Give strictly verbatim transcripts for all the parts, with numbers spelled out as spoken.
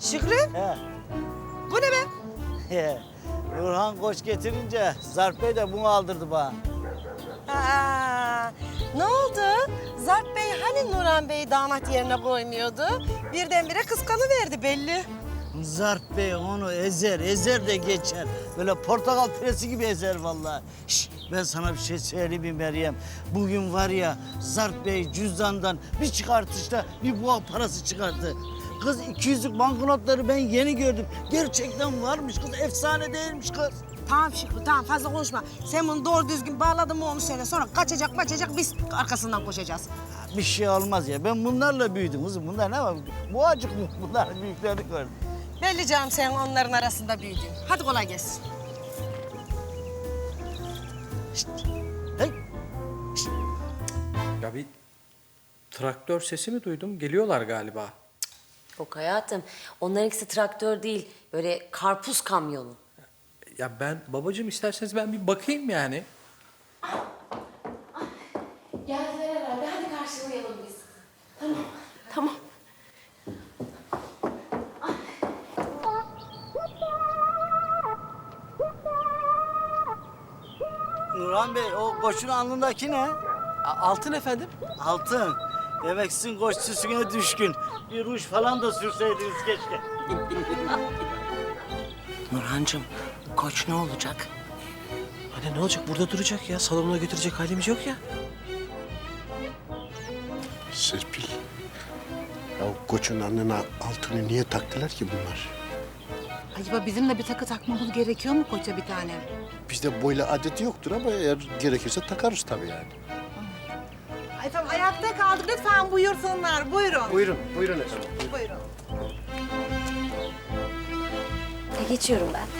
Şükrü, He. bu ne be? He. Nurhan Koç getirince Zarp Bey de bunu aldırdı bana. Aa, ne oldu? Zarp Bey hani Nurhan Bey damat yerine koymuyordu? Birdenbire kıskanıverdi belli. Zarp Bey onu ezer, ezer de geçer. Böyle portakal püresi gibi ezer vallahi. Şş, ben sana bir şey söyleyeyim mi Meryem? Bugün var ya Zarp Bey cüzdandan bir çıkartışta bir boğa parası çıkarttı. Kız iki yüzlük banknotları ben yeni gördüm. Gerçekten varmış kız, efsane değilmiş kız. Tamam Şükrü, tamam fazla konuşma. Sen bunu doğru düzgün bağladın mı onu söyle. Sonra kaçacak maçacak biz arkasından koşacağız. Bir şey olmaz ya. Ben bunlarla büyüdüm kızım. Bunlar ne var? Boğacık mı? Bunlar büyüklerini gördüm. Belli canım sen onların arasında büyüdün. Hadi kolay gelsin. Hey. Ya bir traktör sesi mi duydum? Geliyorlar galiba. Yok hayatım. Onların ikisi traktör değil. Böyle karpuz kamyonu. Ya ben babacığım isterseniz ben bir bakayım yani. Geldiler herhalde. Hadi karşılayalım biz. Tamam. Tamam. Nurhan Bey, o koçun alnındaki ne? Altın efendim. Altın. Demek sizin koç süsüne düşkün. Bir ruj falan da sürseydiniz keşke. Nurhancığım, koç ne olacak? Anne ne olacak? Burada duracak ya. Salonuna götürecek halimiz yok ya. Serpil, ya o koçun alnına altını niye taktılar ki bunlar? Acaba bizim de bir takı takmamız gerekiyor mu koça bir tane? Bizde böyle adeti yoktur ama eğer gerekirse takarız tabii yani. Ay tamam ayakta kaldık. Lütfen buyursunlar. Buyurun. Buyurun, buyurun efendim. Buyurun. E, geçiyorum ben.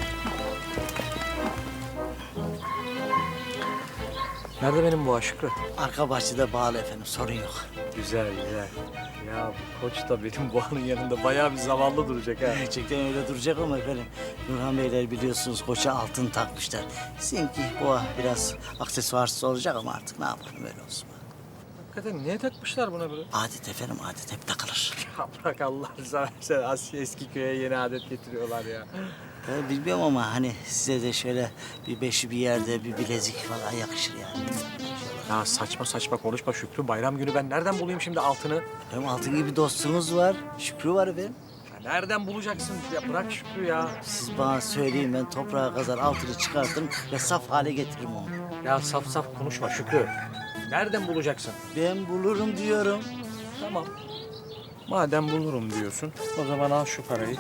Nerede benim bu Şükrü? Arka bahçede bağlı efendim, sorun yok. Güzel güzel. Ya bu koç da benim boğanın yanında bayağı bir zavallı duracak ha. Gerçekten öyle duracak ama efendim. Nurhan Beyler biliyorsunuz koça altın takmışlar. Sizinki boğa biraz aksesuarsız olacak ama artık ne yapalım, öyle olsun. Hakikaten niye takmışlar buna böyle? Adet efendim, adet hep takılır. Ya bırak Allah'ını seversen Asya eski köye yeni adet getiriyorlar ya. Ben bilmiyorum ama hani size de şöyle bir beşi bir yerde bir bilezik falan yakışır yani. Ya saçma saçma konuşma Şükrü. Bayram günü ben nereden bulayım şimdi altını? Efendim altın gibi dostunuz var, Şükrü var efendim. Ya nereden bulacaksın? Ya bırak Şükrü ya. Siz bana söyleyin, ben toprağa kazar altını çıkartırım ve saf hale getiririm onu. Ya saf saf konuşma Şükrü. Nereden bulacaksın? Ben bulurum diyorum. Tamam. Madem bulurum diyorsun, o zaman al şu parayı.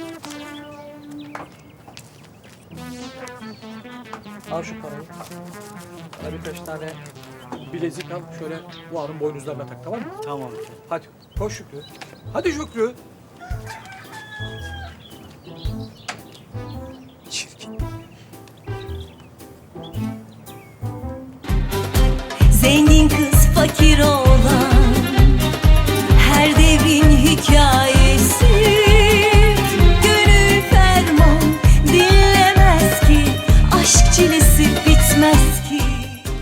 Al şu parayı. Bana birkaç tane bilezik al, şöyle buharın boynuzlarına tak, tamam mı? Tamam efendim. Hadi, koş Şükrü. Hadi Şükrü. Çirkin. Zengin kız